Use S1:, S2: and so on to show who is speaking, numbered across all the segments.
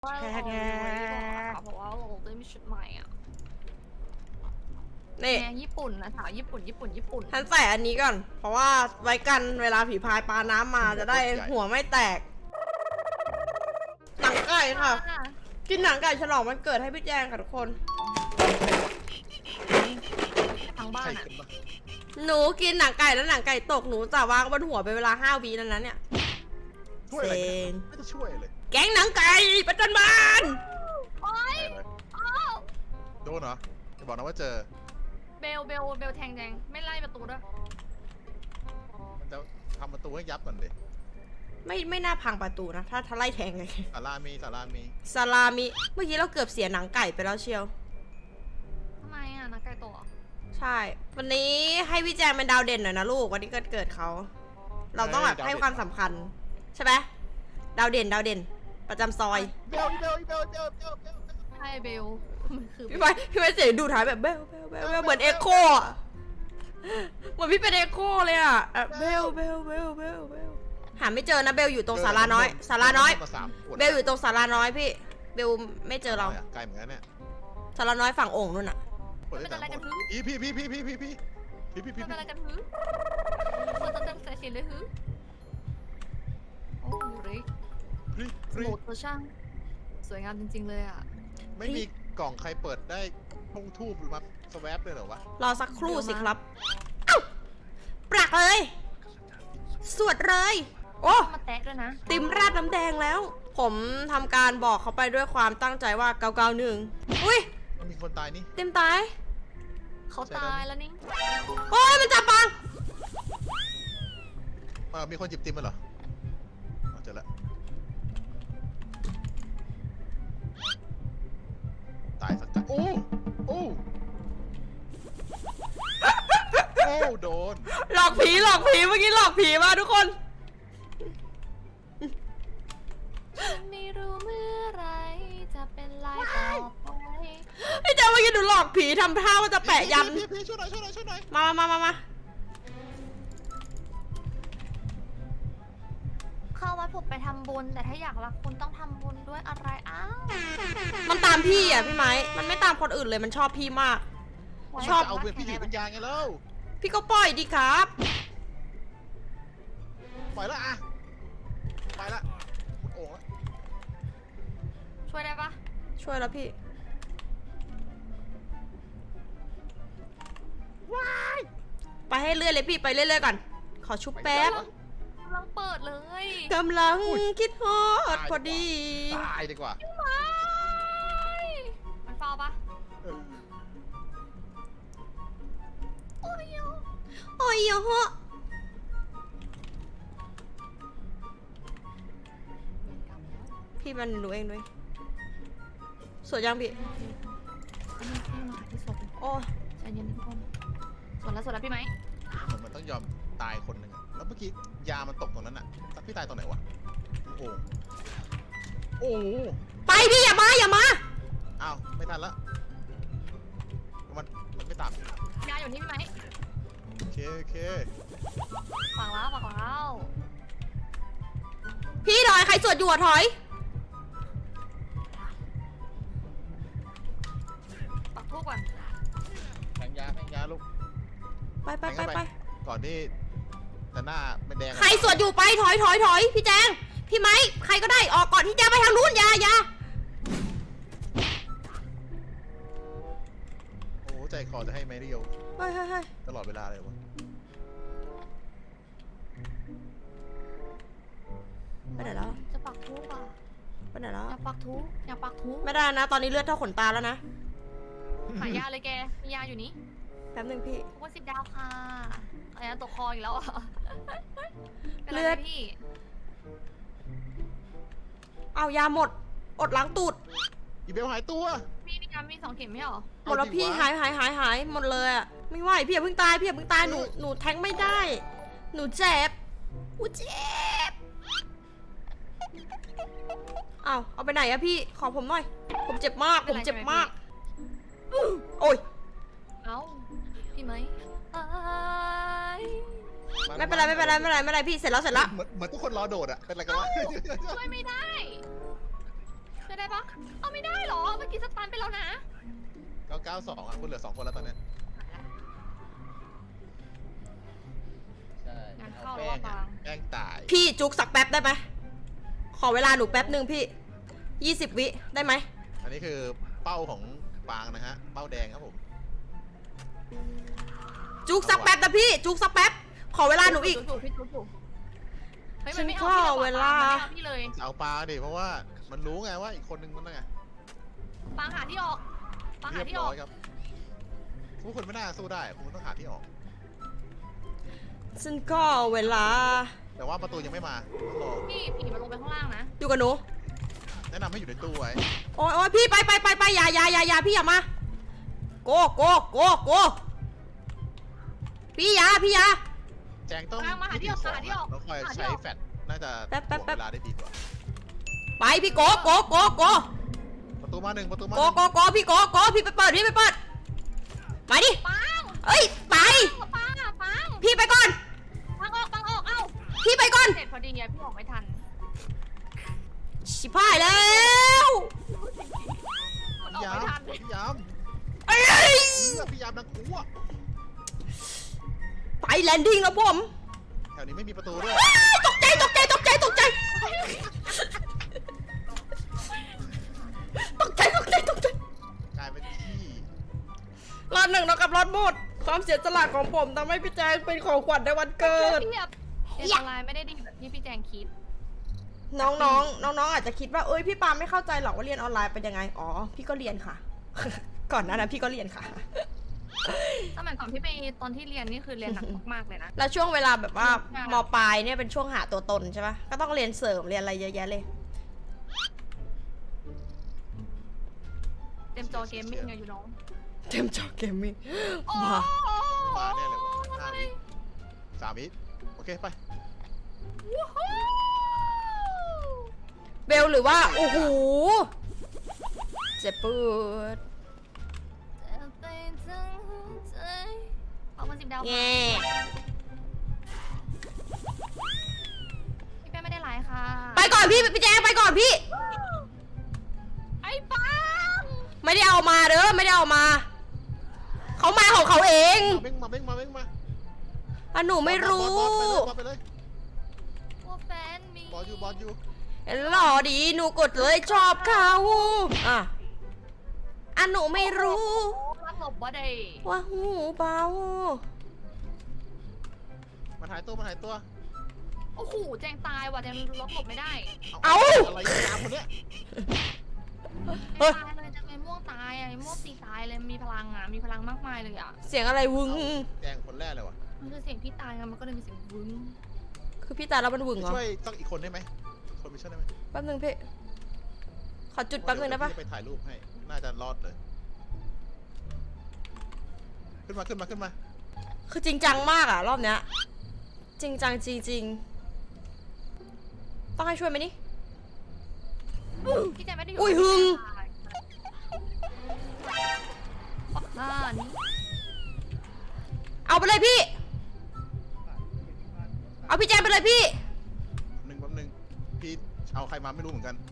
S1: ว่า
S2: แค่
S1: เรา
S2: แค่
S1: เพราะว่าเราได้มีชุดใหม่อ่ะ
S2: นี่
S1: แนวญี่ปุ่นนะสาวญี่ปุ่น
S2: ฉันใส่อันนี้ก่อน เพราะว่าไว้กันเวลาผีพายปลาน้ำมาจะได้หัวไม่แตก หนังไก่ค่ะ กินหนังไก่ฉลองวันเกิดให้พี่แจงค่ะทุกคน
S1: ทางบ้าน
S3: ใช่
S1: อ่ะ
S3: กันปะ
S2: หนูกินหนังไก่แล้วหนังไก่ตกหนูจะวางบนหัวเป็นเวลา5 วินั้นเนี่ย
S3: ช่วยอะไร
S2: เซ็
S3: กัน
S2: ง
S3: ไม่ได้ช่วยเลย
S2: แก๊งหนังไก่ประจันบาน
S1: โอ๊ย
S3: ได้เลย
S1: อ้าว
S3: โดนเหรอจะบอกนะว่าเจอ
S1: เบลแทงแดงไม่ไล่ประตูด้วย
S3: มันจะทำประตูให้ยับก่อนดิ
S2: ไม่น่าพังประตูนะ ถ้าไล่แทงเลย
S3: สารามี
S2: ซาลามิเมื่อกี้เราเกือบเสียหนังไก่ไปแล้วเชียว
S1: ทำไมอ่ะนักไก่ตัว
S2: ใช่ วันนี้ให้พี่แจงเป็นดาวเด่นหน่อยนะลูก วันนี้เกิดเขา เราต้องแบบให้ความสำคัญ ใช่ไหมดาวเด่นประจำซอย
S3: เบล
S1: ใช่เบลมันคือ
S2: พี่ไปเสียงดูท้ายแบบเบลเหมือนเอ็กโคอะเหมือนพี่เป็นเอ็กโคเลยอะเบลหาไม่เจอนะเบลอยู่ตรงศาลาน้อย
S3: มา3 ขวด
S2: เบลอยู่ตรงศาลาน้อยพี่เบลไม่เจอเรา
S3: ไกลเหมือนกันเนี่ย
S2: ศาลาน้อยฝั่งโอ่งนู่นอะ
S3: ขวด
S1: ไม่
S3: ได้
S1: เป็นอะไร
S3: 3
S1: กัน
S3: ขว
S1: ฮึ
S3: ดพี่
S1: ไม่เป็นอะไรกันฮึคนตั้งใจเสียเลยฮึโอ้ยสมุดตัวช่างสวยงามจริงๆเลยอ่ะ
S3: ไม่มีกล่องใครเปิดได้พงทูบหรือมาสแวปเลยเหรอวะ
S2: รอสักครู่สิครับเอ้าปรักเลย สวดเลย โอ้
S1: มาแตะด้วยนะ
S2: ติมราดน้ำแดงแล้ว ผมทำการบอกเขาไปด้วยความตั้งใจว่า991อุ้ย
S3: มันมีคนตายนี่
S2: ติมตาย
S1: เขาตายแล้วนี่
S2: โอ้ยมันจับปัง
S3: มีคนหยิบติมมาเหรอเจอละตายสักกันโอ้โดน
S2: หลอกผีเมื่อกี้หลอกผีมาทุกคน
S1: ฉันไม่รู้เมื่อไรจะเป็นลายต่อไป
S2: ไอ้เจ้าเมื่อกี้หนูหลอกผีทำท่าว่าจะแปะยัน
S3: พี่ช่วยหน่อย
S2: มา
S1: เข้าวัดผมไปทำบุญแต่ถ้าอยากรักคุณต้องทำบุญด้วยอะไรอ้าว
S2: มันตามพี่อ่ะพี่ไม้ มันไม่ตามคนอื่นเลยมันชอบพี่มาก ชอบ
S3: เอาเวรพี่ถือเป็นยางไงแล้ว
S2: พี่ก็ปล่อยดีครับ
S3: ปล่อยละอะไปละโอ่งละ
S1: ช่วยได้ปะ
S2: ช่วยแล้วพี่ ไปให้เรื่อยเลยพี่ไปเรื่อยๆก่อน ขอชุบแป๊บ
S1: กำลังเปิดเลย
S2: กำลังคิดฮอดพอดี
S3: ตายดีกว่า
S1: มันเฝ้าปะ
S3: เออ
S1: โอ้ย
S2: โอ้ยโห พี่มันรู้เองด้วยสวยยังพี่
S1: ที่ศพ
S2: โอ้
S1: ใจเย็นทุกคนสวดแล้วพี่ไหม
S3: เหมือนมันต้องยอมตายคนหนึ่งอะแล้วเมื่อกี้ยามันตกตรงนั้นอะพี่ตายตรงไหนวะโอ้โห
S2: ไปพี่อย่ามา
S3: อ้าวไม่ทันละมันไม่ตาม
S1: ยาอยู่นี่พี่ไหม
S3: โอเค
S1: ฝังแล้ว
S2: พี่ถอยใครสวดอยู่อะถอย
S1: ปักทูบก่อน
S3: แทงยาลูก
S2: ไป
S3: ก่อนที่จะหน้าไม่แดง
S2: ใครสวดอยู่ไปถอยพี่แจงพี่ไม้ใครก็ได้ออกก่อนที่จะไปทางนู้นอย่า
S3: โอ้ใจคอจะให้ไม่เรียว
S2: เฮ้ย
S3: ตลอดเวลาเลยวะ
S2: ไปไหนแล้ว
S1: จะปักทูบอ่ะ
S2: ไปไหนแล้ว
S1: อยากปักทูบ
S2: ไม่ได้นะตอนนี้เลือดเท่าขนตาแล้วนะ
S1: หายาเลยแกมียาอยู่นี่
S2: แป๊บนึงพี่
S1: ทุกคน10 ดาวค่ะอะไรนะตกคออีกแล้วอ่ะ
S2: เลือด
S1: พี่
S2: เอายาหมดอดล้างตูด
S3: อีเบลหายตัว
S1: มีมี2 เข็มไม่หรอ
S2: หมดแล้วพี่หายหมดเลยอะไม่ไหวพี่อย่าเพิ่งตายหนูแทงไม่ได้ หนูเจ็บเอาไปไหนอะพี่ขอผมหน่อยผมเจ็บมากโอ้ย
S1: เอ้าพี่ไหม
S2: ไม่เป็นไรพี่เสร็จแล้ว
S3: เหมือนทุกคนรอโดดอะเป็นอะไรกันวะ
S1: ช่วยไม่ได้ช่วยได้ปะเอาไม่ได้เหรอเมื่อกี้สตันไปแล้วนะ
S3: 992อ่ะคุณเหลือ2คนแล้วตอนเนี้ย
S4: ใช่
S1: งาน
S3: เอา
S1: เข้า
S3: แป้
S1: แล้ว
S3: ง
S1: ปา
S3: อ่ะ
S1: ง
S3: แป้งตาย
S2: พี่จุกสักแป๊บได้ไหมขอเวลาหนูแป๊บหนึ่งพี่20 วิได้ไหม
S3: อันนี้คือเป้าของปางนะฮะเป้าแดงครับผม
S2: จุกสักแป๊บนะพี่จุกสักแป๊บขอเวลาหนูอีก
S1: ถูพี่ถูกเฮ้ย
S2: ฉั
S1: มัน
S2: น
S1: ไม่
S2: ข
S1: เอา
S2: อ
S1: พี่
S2: เวลา
S1: มันไม่เอาพี่เลย
S3: จะเอาปลาดิเพราะว่ามันรู้ไงว่าอีกคนนึงมันไง
S1: ปางหาที่ออกปางหา
S3: เรียบ
S1: ที่อ
S3: ร้
S1: อ
S3: อก ยครับทุกคนไม่น่าสู้ได้คุณต้องหาที่ออก
S2: ฉันขอเวลา
S3: แต่ว่าประตูยังไม่มาต้องรอ
S1: พี่ผีมันลงไปข้างล่างนะ
S2: อยู่กับหนู
S3: แนะนำให้อยู่ในตู้ไว้
S2: โอ้ยโอ้ยพี่ไปอย่าพี่อย่ามาโกพี่อย่า
S3: แจงต้อง
S1: ปางมาหาที่ออก
S3: 22
S1: หาที่ออก
S3: แล้วค่อย
S1: หาที่
S3: ใช้
S1: ออก
S3: แฟลชน่าจะ
S2: แป๊บ
S3: ถ่วงเวลาได้ดีกว่า
S2: ไปพี่โก
S3: ประตูมาหนึ่งประตูมา
S2: พี่ไปเปิดมาดิ
S1: ปาง
S2: เอ้ยไป
S1: ปางอะปาง
S2: พี่ไปก่อน
S1: ปางออกเอ้า
S2: พี่ไปก่อน
S1: เสร็จพอดีอะพี่ออกไม่ทัน
S2: ชิบหายแล้ว
S1: มันออก
S3: ยา
S1: ไม่
S3: ม
S1: ทัน
S3: พี่ยาม
S2: เอ้ย
S3: พี่ยามนักขัว
S2: ไปแลนดิ้งแล้วผม
S3: แถวนี้ไม่มีประตูด้วย
S2: ตกใจกลาย
S3: เป็นที่
S2: รอดหนึ่งเท่ากับรอดหมดความเสียสละของผมทำให้พี่แจงเป็นของขวัญในวันเกิด
S1: พี่แบบเรียนออนไลน์ไม่ได้ดีแบบที่พี่แจงคิด
S2: น้องอาจจะคิดว่าเอ้ยพี่ปาไม่เข้าใจหรอกว่าเรียนออนไลน์เป็นยังไงอ๋อพี่ก็เรียนค่ะ ก่อนหน้านั้นพี่ก็เรียนค่ะ
S1: สมัยก่อนพี่ไปตอนที่เรียนนี่คือเรียนหนักมากๆเลยนะ
S2: แล้วช่วงเวลาแบบว่า
S1: ใช่
S2: มปลายเนี่ยเป็นช่วงหาตัวตนใช่ปะก็ต้องเรียนเสริมเรียนอะไรเยอะแยะเลย
S1: เต็มจอเกมมิ่งไงอยู่น้อง
S2: เต็มจอเกมมิ่ง
S1: โอ้
S2: มา
S3: มาแน่เลยวะ5 วิ3 วิโอเคไป
S1: วู้ฮู้
S2: เบลหรือว่าโอ้โหเจ็บปวด
S1: จะไปทั้งหัวใจเอามา10 ดาว
S2: แง่
S1: พี่แป้งไม่ได้ไลฟ์ค่ะ
S2: ไปก่อนพี่แจงไปก่อนพี่
S1: ไอ้ปัง
S2: ไม่ได้เอามาเด้อไม่ได้เอามาเขามาของเขาเอง
S3: เบ้งมา
S2: อ่ะหนูไม่รู้
S3: บอสไปเลย
S1: ว่าแฟนมี
S3: บอสอยู่
S2: หล่อดีหนูกดเลยชอบเขาอ่ะหนูไม่รู้
S1: รักหลบว่าได้
S2: ว่าหูเบา
S3: มันหายตัว
S1: โอ้โหแจงตายว่ะแจงล็อกหลบไม่ได้
S3: อะไรยามคนเนี้ย
S2: เฮ้ย
S1: ตายเลยแจงไอ้ม่วงตายอะไอ้ม่วงตีตายเลยมีพลังอ่ะมีพลังมากมายเลยอ่ะ
S2: เสียงอะไรวึง
S3: แดงคนแรกเลยวะ
S1: มันคือเสียงพี่ตายไงมันก็เลยมีเสียงวึ้ง
S2: คือพี่ตาแล้วมันวึงเหรอ
S3: ช่วยสักอีกคนได้ไหมคนไปช่วยได้ไหม
S2: แป๊บนึงพี่ขอจุดแป๊บนึงได้ปะ
S3: เยวพี่จไปถ่ายรูปให้น่าจะรอดเลย ขึ้นมา
S2: คือจริงจังมากอะรอบเนี้ยจริงจังจริงต้องให้ช่วยไหมนี่
S1: พี่แจงไม่ได้อยู่
S2: อุ้ยหึง
S1: ปักหน้านี่
S2: เอาไปเลยพี่ เอาพี่แจงไปเลยพี่
S3: แป๊บนึงพี่เอาใครมาไม่รู้เหมือนกัน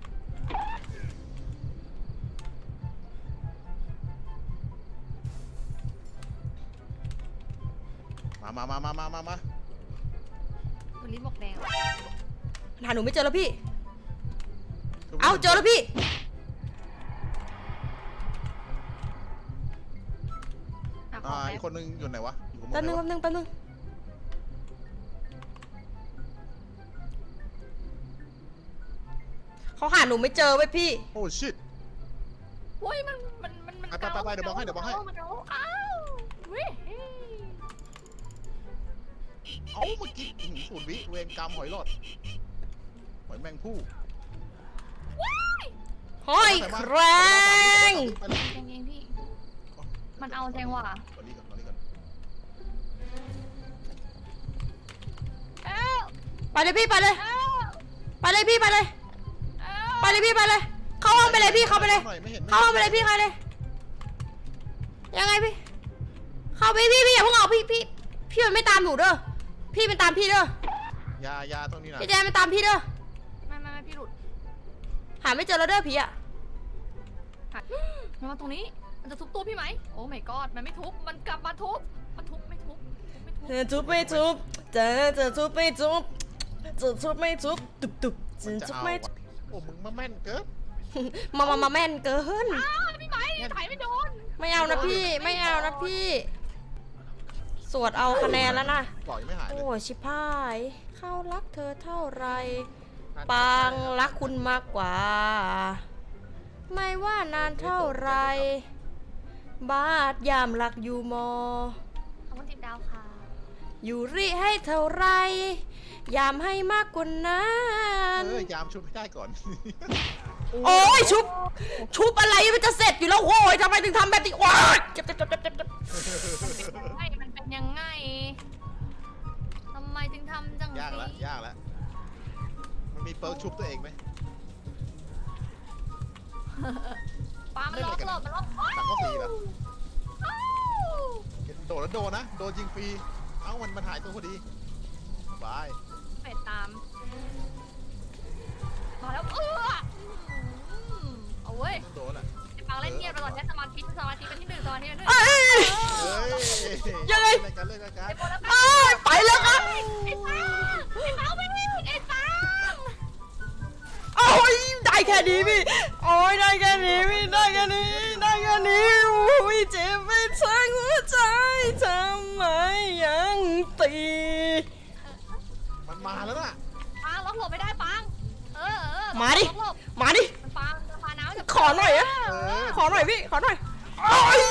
S3: มา
S1: วันนี้บอกแดง
S2: หาหนูไม่เจอแล้วพี่ เอาเจอแล้วพี่
S1: อ่ะขอ
S3: อีกคนนึงอยู่ไหนวะอยู่ข้างบ
S2: แป๊บ
S3: น
S2: นึง
S3: ไหน
S2: แป๊บ
S3: วะ
S2: นึงเขาหาหนูไม่เจอเว้ยพี่
S3: โอ้ชิต
S1: โอ้ยมัน
S3: ไปเดี๋ยวบอกให้
S1: มันเอาอ้าวเว้ย
S3: เอ้าเมื่อกี้0 วิเวรกรรมหอยหลอดหอยแมงผู้
S2: ห้อยแครง
S3: ไปเลย
S1: แจงเองพี่ มันเอาแจงว่ะ
S3: ตอนนี้ก่อน
S1: เอ้า
S2: ไปเลยพี่ไปเลย
S1: เอ้า
S2: ไปเลยพี่ไปเลย
S1: เอ้า
S2: ไปเลยพี่ไปเลย เข้าห้องไปเลยพี่เข้าไปเลย
S3: ไม่เห็น
S2: เข้าห้องไปเลยพี่เข้าเลย ยังไงพี่ เข้าไปพี่อย่าเพิ่งออกพี่มันไม่ตามหนูเด้อ พี่มันตามพี่เด้อ
S3: ยาตรงนี้นะ
S2: พี่แจมมันตามพี่เด้อ
S1: ไม่พี่หลุด
S2: หาไม่เจอแล้วเด้อผีอะ
S1: มันมาตรงนี้ มันจะทุบตู้พี่ไหม โอ้ my god มันไม่ทุบ มันกลับมาทุบ มันทุบไม่ทุบไม่ทุบ
S2: จะทุบไม่ทุบจะทุบไม่ทุบจะทุบไม่ทุบตุบตุบจะ
S3: มันจะ
S2: ทุบ
S3: เอา
S2: ไม่
S3: วะโอ้มึงมาแม่นเกิน
S2: มาแม่นเกิน
S1: อ้าวพี่ไหมถ่ายไม่โดน
S2: ไม่เอานะพี่ไม่เอานะพี่ สวดเอาคะแนนแล้วนะ
S3: ปล่อยไม่หายเล
S2: โอ้
S3: ย
S2: ชิบหายเข้ารักเธอเท่าไร ปางรักคุณมากกว่า ไม่ว่านานเท่าไร บาดยามรักอยู่มอ
S1: ขอบคุณ10 ดาวค่ะ
S2: อยู่ริให้เท่าไร ยามให้มากกว่านั้น
S3: ยามชุบให้ได้ก่อน
S2: โอ้ยชุบอะไรมันจะเสร็จอยู่แล้วโว้ยทำไมถึงทำแบบนี้ว้ายเจ็บ
S1: ไม่มันเป็นยังไง ทำไมถึงทำจัง
S3: ยากแล้ว
S1: นี้
S3: ยากแล้วมันมีเปิร์กชุบตัวเองไหม
S1: ปามันล็อกหลบมันล็อก
S3: ตักก็ฟรีเหรอ
S1: อ้าว
S3: โดดแล้วโดนนะ โดนยิงฟรี เอ้ามันหายตัวพอดีบาย
S1: เป็ดตาม มาแล้วเอาเว้ย
S3: โดนอ่ะ
S1: ไอ้ปังเล่นเงียบไปก่อนใช้สมาธิเป็นที่หนึ่งสมาธิเป็นที่หนึ่ง
S2: เอ้ย
S3: เฮ้ย
S2: ยังไง
S3: เล่นกันเล่นกัน
S1: ไอ้โบแล้ว
S2: อ้ายไปแล้วครับ
S1: ไอ้ปังไปวิ่งไอ้ปัง
S2: โอ้ยได้แค่นี้พี่โอ้ยได้แค่นี้พี่ได้แค่นี้โอ้ยเจ็บไปทั้งหัวใจทำไมยังตี
S3: มันมาแล้วน่ะ
S1: ปังล็อกหลบไม่ได้ปังล็อกหลบ
S2: มาดิ
S1: มันปังมันปาน้ำจะ
S2: ขอหน่อยอะ ขอหน่อยพี่ขอหน่อยโอ้ย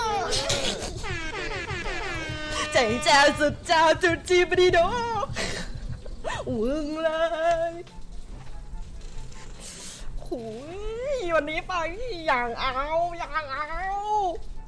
S2: ใจเจ้าสุดเจ้าจุดจีบดีโดวึงเลยโอ้ยวันนี้ไปอย่างเอา